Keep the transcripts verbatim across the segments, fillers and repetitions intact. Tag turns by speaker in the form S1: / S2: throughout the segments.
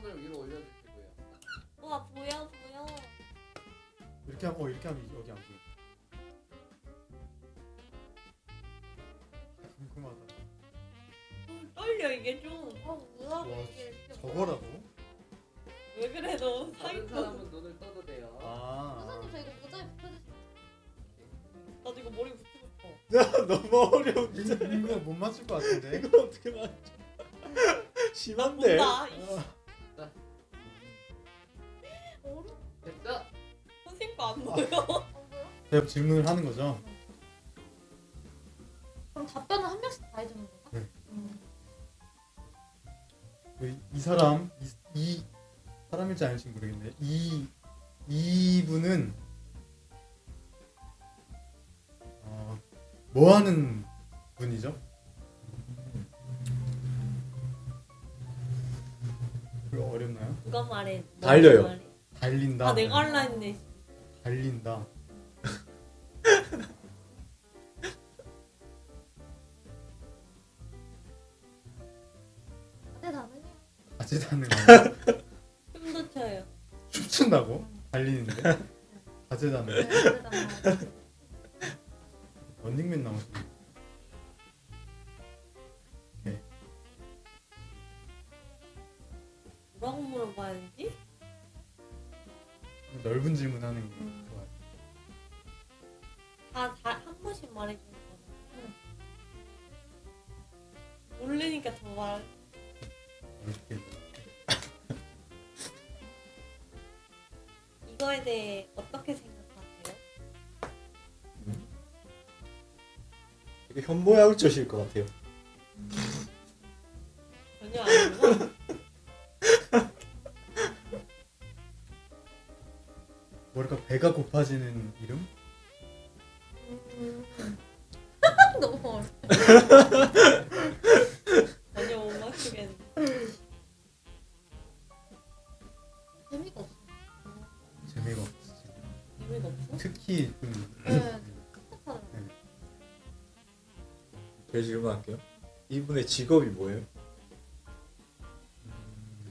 S1: 손을 위로 올려주시고요.
S2: 와 보여 보여.
S3: 이렇게 하면 어 이렇게 하면 여기 안 보여. 궁금하다.
S2: 음, 떨려 이게 좀. 아 뭐야
S3: 와,
S2: 이게 이렇게.
S3: 저거라고?
S2: 왜 그래 너
S1: 다른
S2: 사이코.
S1: 사람은 눈을 떠도 돼요.
S3: 아.
S4: 선생님 저 이거 모자에 붙여주세요.
S2: 나도 이거 머리 붙이고 싶어.
S5: 야 너무 어려운데.
S3: 이거 이거 못 맞출 것 같은데.
S5: 이거 어떻게 맞춰? 심한데.
S2: 뭔다.
S3: 아,
S2: 어려.
S1: 됐어.
S2: 선생님 거안 보여.
S4: 안 보여?
S3: 제가 질문을 하는 거죠.
S4: 그럼 답변은 한 명씩 다 해주는 건가?
S3: 네.
S4: 음.
S3: 이, 이 사람 이, 이 사람일지 아닐지 모르겠네. 이 이분은 어, 뭐 하는 분이죠? 이거 어렵나요?
S2: 누가 말해?
S5: 달려요.
S2: 말해?
S3: 달린다.
S2: 아 내가 할라 했네.
S3: 달린다.
S4: 다대다능해.
S3: 다재다능 아니야?
S2: 춤도 춰요.
S3: 춤춘다고? 달리는데? 다재다능.
S4: 네, 다대다능.
S3: 런닝맨 나오시네.
S2: 뭐라고 물어봐야지?
S3: 넓은 질문하는 게
S2: 음.
S3: 좋아요.
S2: 다한 번씩 말해주는 거잖아. 모르니까 더 말.
S3: 이렇게
S2: 이거에 대해 어떻게 생각하세요?
S5: 되게 현모양처실 것 같아요.
S2: 전혀 아니구나.
S3: 뭐랄까 배가 고파지는 이름?
S4: 음. 너무 어려워.
S2: 전혀 못 맞추겠네.
S4: 재미가 없어.
S3: 재미가 없지.
S2: 재미가 없어?
S3: 특히 좀
S4: 네, 깝깝하더라고.
S5: 제가 질문할게요. 이분의 직업이 뭐예요?
S3: 음,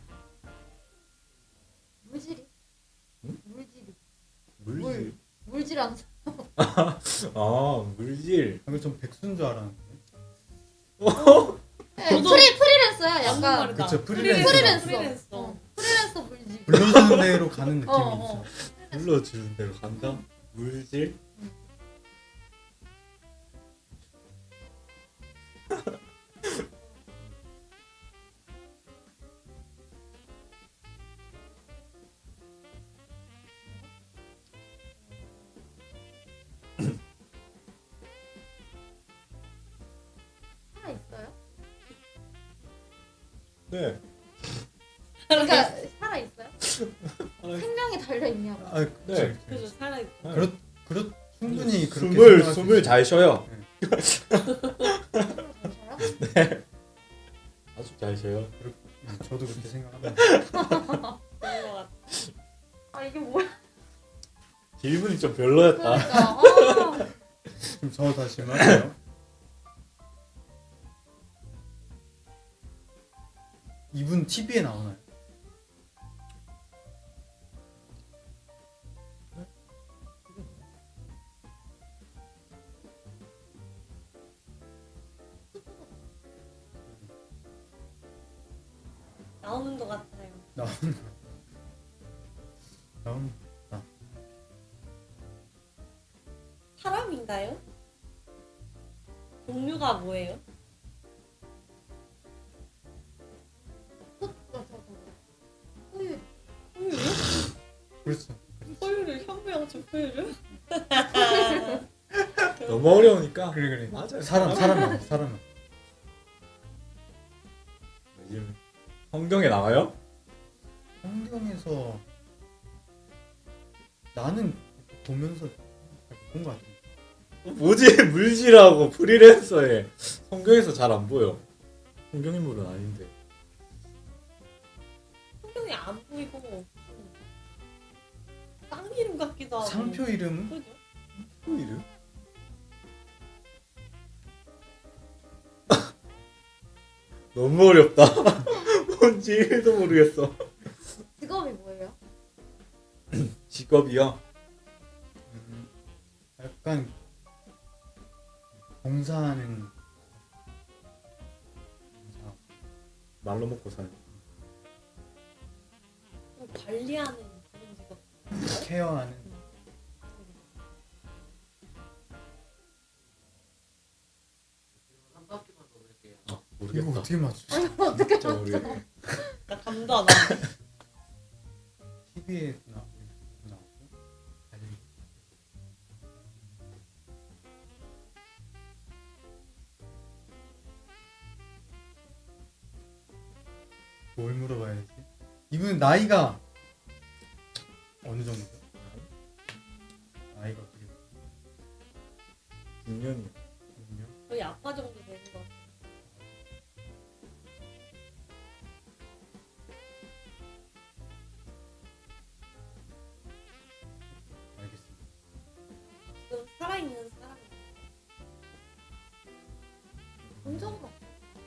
S4: 물질이?
S5: 응?
S4: 물질이.
S5: 물질.
S4: 물질하는 사람.
S5: 아 물질.
S3: 방금 좀 백수인 줄 알았는데.
S4: 네,
S2: 저도-
S4: 프리, 프리랜서야.
S2: 맞는
S4: 약간.
S2: 말이다.
S3: 그쵸, 프리랜서.
S4: 프리랜서.
S2: 프리랜서.
S4: 어, 프리랜서 물질.
S3: 불러주는 대로 가는 느낌이
S4: 어, 어.
S3: 있어.
S5: 불러주는 대로 간다. 물질.
S4: 살아 있어요?
S5: 네.
S4: 그러니까 살아 있어요?
S5: 살아-
S4: 생명이 달려 있냐고.
S3: 아, 그치,
S5: 네.
S3: 그치.
S2: 그래서 살아있어.
S3: 그렇 그렇 충분히 그렇게
S5: 숨을
S3: 생각할 수
S5: 숨을
S3: 있어요.
S5: 잘 쉬어요.
S4: 저요?
S5: 아주 잘 쉬어요.
S3: 음, 저도 그렇게 생각합니다.
S2: 그런 거 같아.
S4: 아 이게 뭐야?
S5: 질문이 좀 별로였다.
S4: 그러니까. 아,
S3: 그럼 저 다시 말해요. 이분 티비에 나오나요?
S2: 나오는 것 같아요.
S3: 나오는 나오는
S2: 사람인가요? 종류가 뭐예요?
S4: 저, 저, 저. 호유.
S2: 포유류?
S3: 그렇죠.
S2: 포유류? 현무양처 포유류?
S5: 너무 어려우니까.
S3: 그래 그래.
S5: 맞아요.
S3: 사람 사람만 사람만.
S5: 요즘 성경에 나와요?
S3: 성경에서 나는 보면서 본 것 같아.
S5: 뭐지? 물질하고 프리랜서에 성경에서 잘 안 보여. 성경 인물은 아닌데.
S2: 성경이 안 보이고 땅 이름 같기도 하고.
S3: 상표 이름
S2: 그죠?
S5: 또 이름? 너무 어렵다. 뭔지 일도 모르겠어. 직업이요?
S3: 음, 약간 봉사하는 봉사.
S5: 말로 먹고 사는.
S2: 좀 관리하는 그런 직업.
S3: 케어하는
S1: 한 바퀴만 더 돌게요.
S5: 아
S3: 이거
S5: 모르겠다.
S3: 어떻게 맞추지?
S4: 아니 어떻게
S5: 진짜 모르겠다.
S2: 나 감도 안 와.
S3: 티비에 나오고 나오고 달리 뭘 물어봐야 되지? 이분 나이가 어느 정도죠? 나이가 어떻게 되죠?
S5: 중년이요.
S2: 거의 아빠 정도 되는 거 같아.
S3: 알겠습니다.
S2: 지금 살아있는 사람.
S4: 본 적은 없어.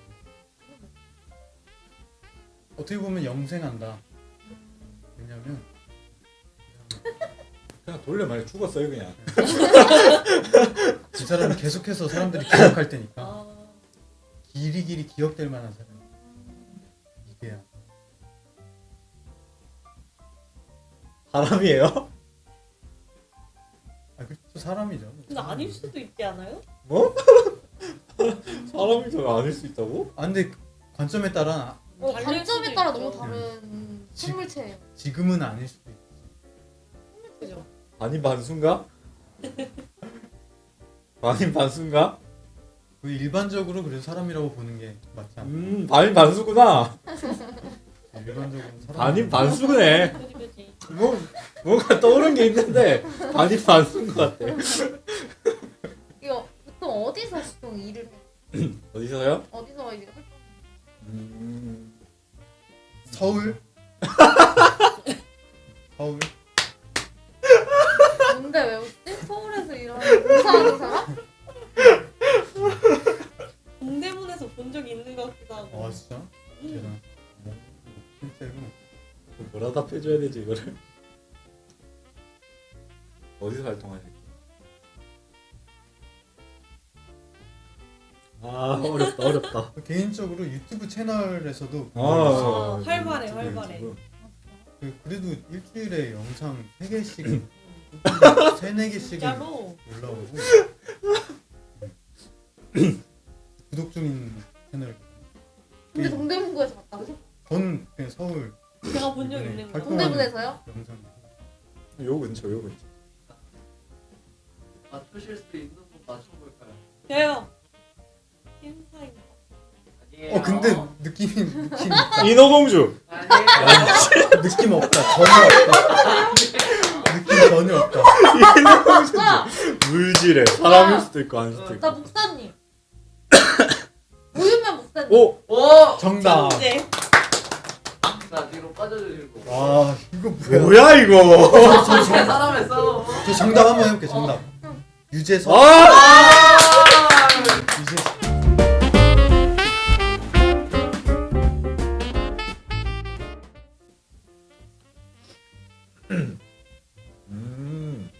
S3: 어떻게 보면 영생한다. 왜냐면
S5: 그냥 돌려 말해 죽었어요 그냥.
S3: 그 사람은 계속해서 사람들이 기억할 테니까
S2: 아,
S3: 길이 길이 기억될 만한 사람. 이게야.
S5: 사람이에요?
S3: 아 그렇죠 사람이죠.
S2: 근데 아닐 수도 있지 않아요?
S5: 뭐? 사람이 아닐 수 있다고?
S3: 아 근데 관점에 따라
S4: 어,
S2: 달릴
S4: 관점에
S2: 수도
S4: 따라
S2: 있죠.
S4: 너무 다른
S3: 지-
S4: 생물체예요.
S3: 지금은 아닐 수도 있지.
S2: 그죠?
S5: 반인 반수인가? 반인 반수인가?
S3: 그 일반적으로 그래서 사람이라고 보는 게 맞지 않나?
S5: 음 반인 반수구나.
S3: 일반적으로 사람.
S5: 반인 반수네.
S2: 그지 그지.
S5: 뭐 뭔가 떠오른 게 있는데 반인 반수인 것 같아.
S4: 이거 보통 어디서 보통 일을 해?
S5: 어디서요?
S4: 어디서 이제 활동?
S5: 음...
S3: 서울. 서울.
S4: 뭔데 왜 웃지? 서울에서 일하는 봉사하는 사람?
S2: 동대문에서 본 적이 있는 것 같기도 하고.
S3: 아 진짜?
S2: 음.
S3: 대단. 진짜 이거
S5: 뭐라 답해줘야 되지 이거를? 어디서 활동하실까? 아 어렵다 어렵다.
S3: 개인적으로 유튜브 채널에서도
S5: 아,
S2: 아, 활발해,
S5: 유튜브,
S2: 활발해.
S5: 유튜브.
S3: 그- 그래도 일주일에 영상 세 개씩 세네 개씩은
S2: 진짜로.
S3: 올라오고 구독 중인 채널.
S4: 근데 동대문구에서 봤다고?
S3: 저는 그냥 서울
S2: 제가 본 적
S3: 네,
S2: 있는 거.
S3: 활동-
S4: 동대문에서요?
S3: 영상.
S5: 요 근처 요 근처.
S1: 맞추실 수 있는 분 맞춰볼까요?
S2: 돼요. 심사임.
S1: 아니에요.
S3: 어 근데 느낌이 느낌 있다.
S5: 인어공주.
S1: 아니에요.
S3: 느낌 없다. 전혀 없다. 느낌 전혀 없다.
S5: 인어공주. 물질에 사람일 수도 있고 아닐 수도
S4: 나
S5: 있고.
S4: 목사님. 오윤면 목사님.
S5: 오
S1: 오!
S3: 정답.
S2: 천재.
S1: 자, 뒤로 빠져주시고.
S3: 와 이거 뭐야?
S5: 뭐야 이거?
S1: 저 사람의 싸움.
S3: 저 정답 한번 해볼게. 정답. 유재석.
S5: 아!
S3: 유재석.
S5: 음.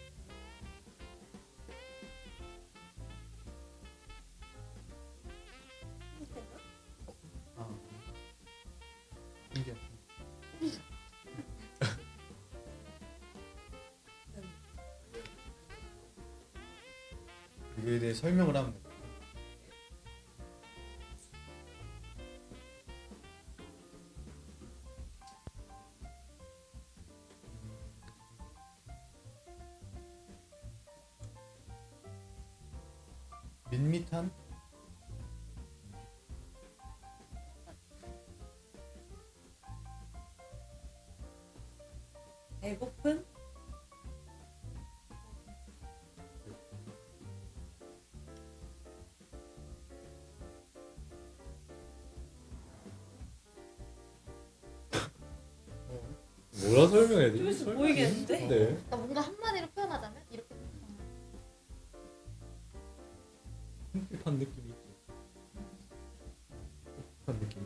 S3: 아. 신기하다. 이거에 대해 설명을 하면 돼. 밋밋한
S2: 배고픈?
S5: 뭐라 설명해야 되지?
S2: 좀
S5: 설명이
S2: 보이겠는데?
S5: 힘든데.
S4: 나 뭔가 한마디로 표현하자면 이렇게.
S5: 힙한 느낌이 있지. 힙한 느낌.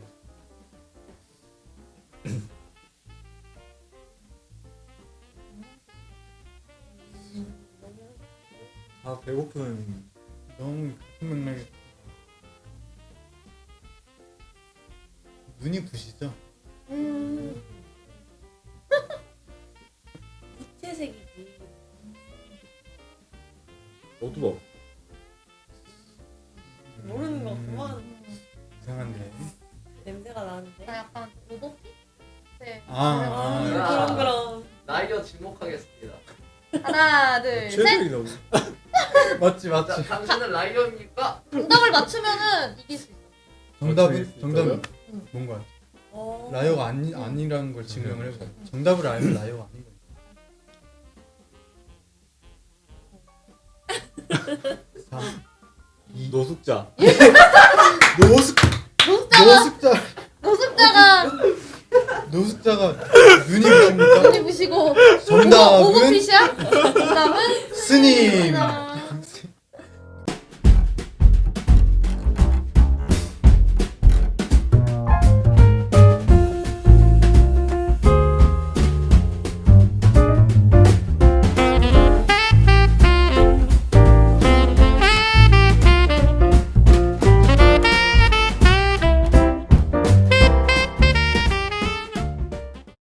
S5: 배고픈
S3: 너무 같은 맥락에 눈이 부시죠?
S4: 음.
S2: 무채색이지.
S5: 어두워.
S2: 모르는 거
S3: 음,
S2: 그만.
S3: 이상한데.
S2: 냄새가 나는데.
S4: 나 약간 로봇? 네.
S3: 아, 아,
S2: 아,
S1: 아.
S2: 그럼 그럼.
S1: 나이어 지목하겠습니다.
S4: 하나, 둘, 셋.
S5: 최선이 너무.
S3: 맞지
S1: 자,
S3: 맞지.
S1: 당신은 라이언입니까?
S4: 정답을 맞추면은 이길 수 있어.
S3: 정답은
S5: 맞출 수
S3: 정답은
S4: 응.
S3: 뭔가요?
S2: 어.
S3: 라이어가 아니 아니라는 걸 증명을 해보자. 정답을 알면 라이어가 아닌 거야. 삼, 이,
S5: 노숙자.
S3: 노숙
S4: 노숙자가
S3: 노숙자
S4: 노숙자가
S3: 노숙자가 눈이 부십니까?
S4: 눈이 부시고
S3: 정답은
S4: 오버핏이야? 정답은
S3: 스님.
S4: 스님.